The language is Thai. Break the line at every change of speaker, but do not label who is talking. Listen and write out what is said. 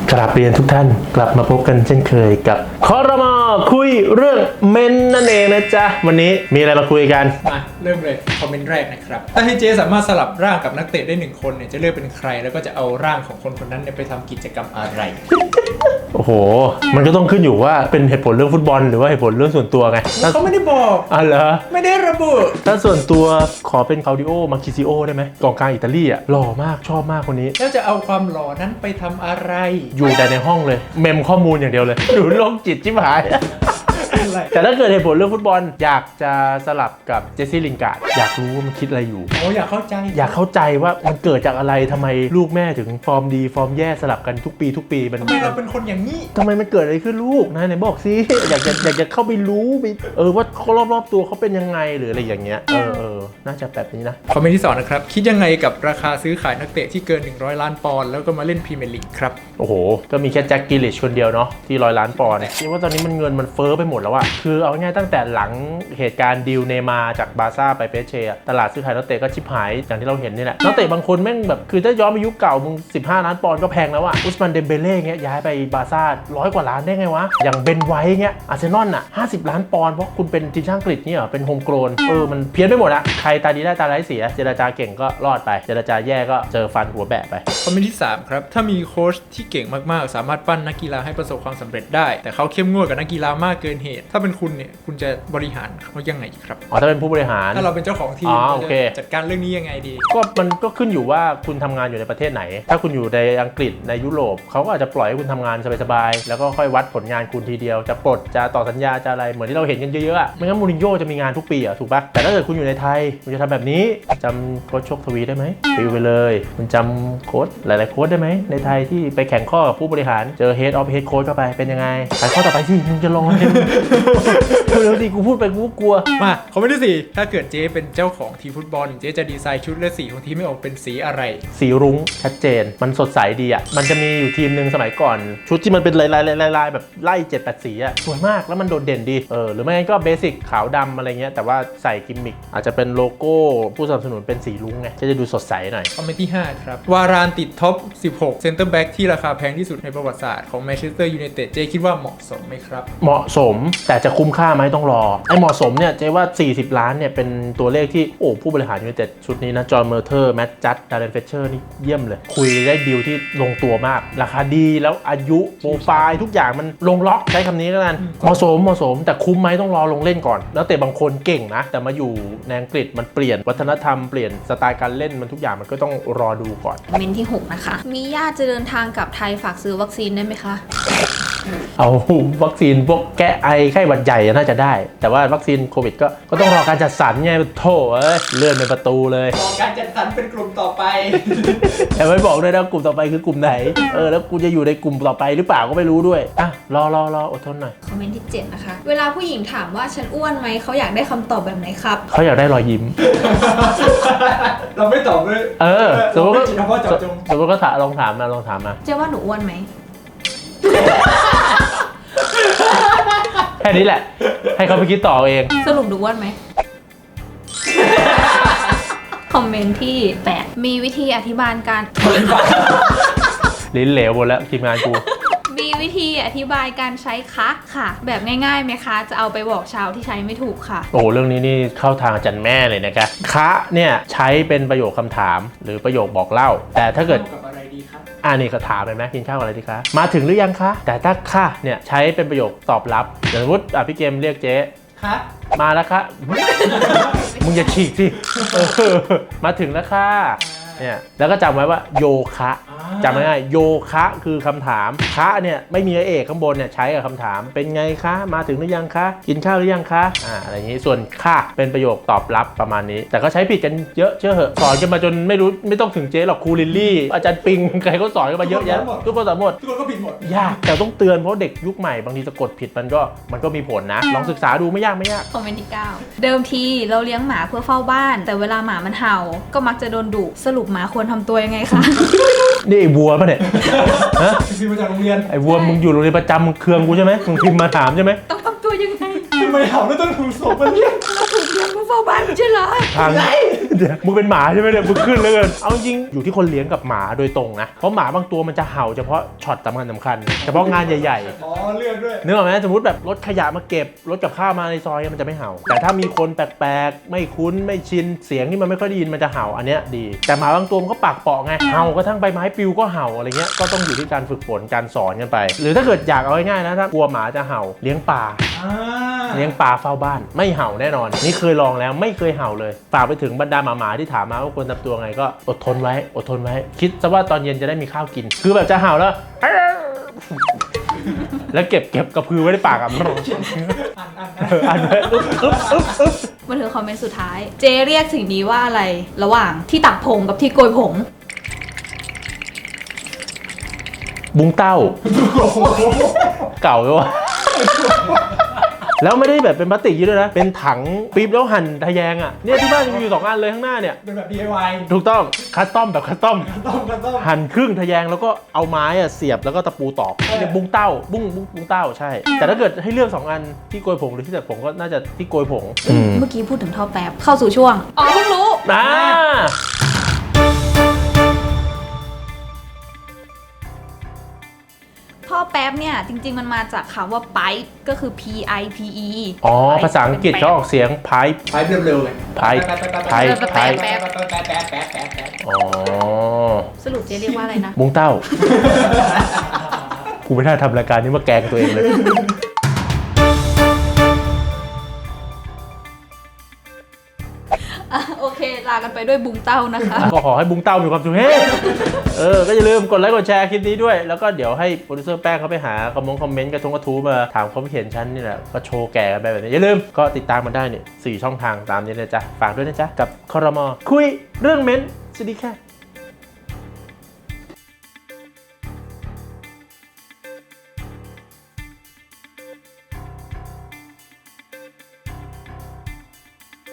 กราบเรียนทุกท่านกลับมาพบกันเช่นเคยกับครม.คุยเรื่องเมนนั่นเองนะจ๊ะวันนี้มีอะไรมาคุยกัน
มาเริ่มเลยคอมเมนต์แรกนะครับถ้าให้เจสามารถสลับร่างกับนักเตะได้1คนเนี่ยจะเลือกเป็นใครแล้วก็จะเอาร่างของคนคนนั้นเนี่ยไปทำกิจกรรมอะไร
โอ้โหมันก็ต้องขึ้นอยู่ว่าเป็นเหตุผลเรื่องฟุตบอลหรือว่าเหตุผลเรื่องส่วนตัวไง
เขาไม่ได้บอก
เหรอ
ไม่ได้ระบุ
ถ้าส่วนตัวขอเป็นคาดิโอมาคิซิโอได้ไหมกองกลางอิตาลีหล่อมากชอบมากคนนี้
แล้วจะเอาความหล่อนั้นไปทำอะไร
อยู่แต่ในห้องเลยเมมข้อมูลอย่างเดียวเลยดูโรคจิตชิบหายแต่ถ้าเกิดเหตุผลเรื่องฟุตบอลอยากจะสลับกับเจสซี่ลินการ์ดอยากรู้ว่ามันคิดอะไรอยู่
อยากเข้าใจ
ว่ามันเกิดจากอะไรทำไมลูกแม่ถึงฟอร์มดีฟอร์มแย่สลับกันทุกปี
ทำไมเราเป็นคนอย่างนี้
ทำไมมันเกิดอะไรขึ้นลูกนะไหนบอกสิอยากจะเข้าไปรู้ไปว่าเขารอบตัวเขาเป็นยังไงหรืออะไรอย่างเงี้ยน่าจะแบบนี้นะ
คอมเมนต์ที่2นะครับคิดยังไงกับราคาซื้อขายนักเตะที่เกิน100ล้านปอนด์แล้วก็มาเล่นพรีเมียร์ลีกครับ
โอ้โหก็มีแค่แจ็คกิลลิชคนเดียวเนาะที่100ล้านปอนด์คิดว่าตอนนี้มันเงินมันเฟ้อไปหมดแล้วอะคือเอาง่ายตั้งแต่หลังเหตุการณ์ดีลเนมาจากบาร์ซ่าไปเปเช่ตลาดซื้อขายนักเตะก็ชิบหายอย่างที่เราเห็นนี่แหละนักเตะบางคนแม่งแบบคือถ้าย้อนไปยุคเก่ามึง15ล้านปอนด์ก็แพงแล้วอะอุสมันเดมเบเล่เงี้ยย้ายไปบาร์ซ่า100กว่าล้านได้ไงวะอย่างเบนไวท์เงี้ยอาร์เซนอลอะ50ล้านปอนด์เพราะคุณเป็นทีมชาติอังกฤษเนี่ยเป็นโฮมโกลนมันเพี้ยนไปหมดอะใครตาดีได้ตาร้ายเสียเจรจาเก่งก็รอดไปเจรจาแย่ก็เจอฟันหัวแบะไป
คอมเมนต์ที่3ครับถ้ามีโค้ชที่เก่งมากๆสามารถปั้นนักกีฬาให้ประสบความสำเร็จได้แต่เขาเข้มงวดกับนักกีฬามากเกินเหตุถ้าเป็นคุณเนี่ยคุณจะบริหารเขายังไงครับ
ถ้าเป็นผู้บริหาร
ถ้าเราเป็นเจ้าของทีมจะจัดการเรื่องนี้ยังไงดี
ก็มันก็ขึ้นอยู่ว่าคุณทำงานอยู่ในประเทศไหนถ้าคุณอยู่ในอังกฤษในยุโรปเขาก็อาจจะปล่อยให้คุณทำงานสบายๆแล้วก็ค่อยวัดผลงานคุณทีเดียวจะปลดจะต่อสัญญาจะอะไรเหมือนที่เราเห็นกันเยอะๆไม่งั้นมูรินโญ่จะมีงานทุกปีถูกปะแต่ถ้าเกิดคุณอยู่ในไทยคุณจะทำแบบนี้จำโค้ชโชคทวีได้ไหมปิวไปเลยคุณจำโค้ชหลายๆโค้ชได้ไหมในไทยที่ไปแข่งข้อกับผู้บริหารเจอ Head of Head Coach เข้าไปเป็นยังไงไปข้อต่อไปสิมึงจะรอเร็วๆสิกูพูดไปกูกลัว
มาคอมเมนต์ที่4ถ้าเกิดเจ๊เป็นเจ้าของทีมฟุตบอลเจ๊จะดีไซน์ชุดและสีของทีมไม่ออกเป็นสีอะไร
สีรุ้งชัดเจนมันสดใสดีอ่ะมันจะมีอยู่ทีมนึงสมัยก่อนชุดที่มันเป็นลายแบบไล่7-8สีอ่ะสวยมากแล้วมันโดดเด่นดีหรือไม่งั้นก็เบสิกขาวดำอะไรเงี้ยแต่ว่าใส่กิมมิคอาจจะเป็นโลโก้ผู้สนับสนุนเป็นสีรุ้งไงจะดูสดใสหน่อย
คอมเมนต์ที่5ครับวารานติดท็อป16เซ็นเตอร์แบ็กที่ราคาแพงที่สุดในประวัติศาสตร์ของแมนเชสเตอร์ยูไนเต็ดเจ๊คิดว่าเหมาะสมไหมครับ
เหมาะสมแต่จะคุ้มค่าไหมต้องรอไอ้เหมาะสมเนี่ยเจ๊ว่า40ล้านเนี่ยเป็นตัวเลขที่ผู้บริหารยูไนเต็ดชุดนี้นะจอห์นเมอร์เทอร์แมตต์จัดดาร์เรนเฟเชอร์นี่เยี่ยมเลยคุยได้ดีลที่ลงตัวมากราคาดีแล้วอายุโปรไฟล์ทุกอย่างมันลงล็อกใช้คำนี้แล้วกันเหมาะสมแต่คุ้มไหมต้องรอลงเล่นก่อนแล้วแต่บางคนเก่งนะแต่มาอยู่ในอังกฤษมันเปลี่ยนวัฒนธรรมเปลี่ยนสไตล์การเล่นมันทุกอย่างมันก็ต้องรอดูก่อน
เมนที่6นะคะมีญาติจะเดินทางกลับไทยฝากซื้อวัคซีนได้ไหมคะ
เอาวัคซีนพวกแก้ไอไข้หวัดใหญ่น่าจะได้แต่ว่าวัคซีนโควิดก็ต้องรอการจัดสรรไงโถ่เลื่อนเป็นประตูเลย
รอการจัดสรรเป็นกลุ่มต่อไป
แต่ไม่บอกด้วยนะกลุ่มต่อไปคือกลุ่มไหนแล้วกูจะอยู่ในกลุ่มต่อไปหรือเปล่าก็ไม่รู้ด้วยรออดทนหน่อย
คอมเมนต์ที่7นะคะเวลาผู้หญิงถามว่าฉันอ้วนไหมเขาอยากได้คำตอบแบบไหนครับ
เขาอยากได้รอยยิ้ม
เราไม่ตอบเลย
สมมติก็ลองถามมา
เจ๊ว่าหนูอ้วนไหม
แค่นี้แหละให้เขาไปคิดต่อเอง
สรุปหนูอ้วนไหมคอมเมนต์ที่8มีวิธีอธิบายการ
ลิ้นเหลวหมดแล้วทีมงานกู
มีวิธีอธิบายการใช้คะค่ะแบบง่ายๆไหมคะจะเอาไปบอกชาวที่ใช้ไม่ถูกค่ะ
เรื่องนี้นี่เข้าทางอาจารย์แม่เลยนะครับคะเนี่ยใช้เป็นประโยคคำถามหรือประโยคบอกเล่าแต่ถ้าเกิด
กับอะไรดีครับ
นี่ก็ถามไปไหมกินข้าวอะไรดีคะมาถึงหรือยังคะแต่ถ้าค่ะเนี่ยใช้เป็นประโยคตอบรับอย่างสมมติพี่เกมเรียกเจ๊
คะ
มาแล้วคะมึงอย่าฉีกสิมาถึงแล้วค่ะเนี่ยแล้วก็จำไว้ว่าโยคะจำง่ายๆโยคะคือคำถามคะเนี่ยไม่มีเอกข้างบนเนี่ยใช้กับคำถามเป็นไงคะมาถึงหรือยังคะกินข้าวหรือยังคะอะไรอย่างนี้ส่วนค่ะเป็นประโยคตอบรับประมาณนี้แต่ก็ใช้ผิดกันเยอะเชื่อเหอะสอนกันมาจนไม่ต้องถึงเจ๊หรอกครูลิลลี่อาจารย์ปิงใครก็สอนกันมาเยอะแยะทุกคนสอนหมด
ทุกคนก็ผิดหมด
ยากแต่ต้องเตือนเพราะเด็กยุคใหม่บางทีสะกดผิดมันก็มีผลนะลองศึกษาดูไม่ยาก
คอมเมนต์ที่9เดิมทีเราเลี้ยงหมาเพื่อเฝ้าบ้านแต่เวลาหมามันเห่าก็มักจะโดนดุสรุปหมาควรทำตัวยังไงคะ
นี่ไอ้วัวป่ะเนี่ย
พิมพ์มาจากโรงเรียน
ไอ้วัวมึงอยู่โรงเรียนประจำมึงเคืองกูใช่ไหมมึงพิมพ์มาถามใช่ไหม
ต้องทำตัวยังไง
ทำไมเห่าแล้วต้องถูกส่งมาเรียก
ถูกงมาเฝ้าบ้านใช่เหรอ
ทางเดี๋ยวมึงเป็นหมาใช่ไหมเนี่ยมึงขึ้นเลยกันเอาจริงอยู่ที่คนเลี้ยงกับหมาโดยตรงนะเพราะหมาบางตัวมันจะเห่าเฉพาะช็อตสำคัญเฉพาะงานใหญ่ๆ
อ๋อเลือกด้วย
นึกออกไหมสมมติแบบรถขยะมาเก็บรถกับข้าวมาในซอยมันจะไม่เห่า แต่ถ้ามีคนแปลกๆไม่คุ้นไม่ชินเสียงที่มันไม่ค่อยได้ยินมันจะเห่าอันเนี้ยดีแต่หมาบางตัวมันก็ปากเปาะไงเห่ากระทั่งใบไม้ปลิวก็เห่าอะไรเงี้ยก็ต้องอยู่ที่การฝึกฝนการสอนกันไป หรือถ้าเกิดอยากเอาง่ายๆนะถ้ากลัวหมาจะเห่าเลี้ยงปลาเลี้ยงปลาเฝ้าบ้านไม่เห่าแน่นอนนี่เคยลองแล้วไม่เคยเห่าเลยฝากไปถึงบรรดาหมาๆที่ถามมาว่าควรทำตัวไงก็อดทนไว้คิดซะว่าตอนเย็นจะได้มีข้าวกิน คือแบบจะเห่าแล้ว แล้วเก็บกระพือไว้ในปากอ่ะอันไว้อึ๊บ
มาถึงคอมเมนต์สุดท้าย เจเรียกสิ่งนี้ว่าอะไรระหว่างที่ตักผงกับที่โกยผง
บุ้งเต้า เก่าเลยวะแล้วไม่ได้แบบเป็นพลาสติกยี่ด้วยนะ เป็นถังปี๊บแล้วหั่นทะแยงอ่ะเนี่ยที่บ้านมีอยู่2อันเลยข้างหน้าเนี่ย
เป็นแบบ DIY
ถูกต้องคัสตอมแบบคัสตอม
ต้อง
หั่นครึ่งทะแยงแล้วก็เอาไม้อะเสียบแล้วก็ตะปูตอกเนี่ยบุ้งเต้าบุ้งเต้าใช่ แต่ถ้าเกิดให้เลือก2อันที่โกยผงหรือที่ตัดผงก็น่าจะที่โกยผง
เมื่อกี้พูดถึงท่อแป๊บเข้าสู่ช่วงอ๋อเพิ่งรู้
อ่า
ท่อแป๊บเนี่ยจริงๆมันมาจากคำว่า pipe ก็คือ P I P E
อ๋อภาษาอังกฤษเขาออกเสียง pipe
ไปเร็วๆเลย
pipe pipe pipe อ๋อ
สรุปเจ๊เรียกว่าอะไรนะ
บุ้งเต้า กูไม่น่าทำรายการนี้มาแกล้งตัวเองเลย
โอเค ลากันไปด้วยบุงเต้านะคะ
ก็ขอให้บุ้งเต้ามีความสุขเฮ้ก็อย่าลืมกดไลค์กดแชร์คลิปนี้ด้วย แล้วก็เดี๋ยวให้โปรดิวเซอร์แป้งเขาไปหาคอมเมนต์กระทู้มาถามความเห็นฉันนี่แหละ ก็โชว์แก่กันไปแบบนี้ อย่าลืมก็ติดตามมันได้เนี่ย4 ช่องทางตามนี้เลยจ้ะ ฝากด้วยนะจ๊ะ กับครม.คุยเรื่องเม้นท์สวัสดีค่ะ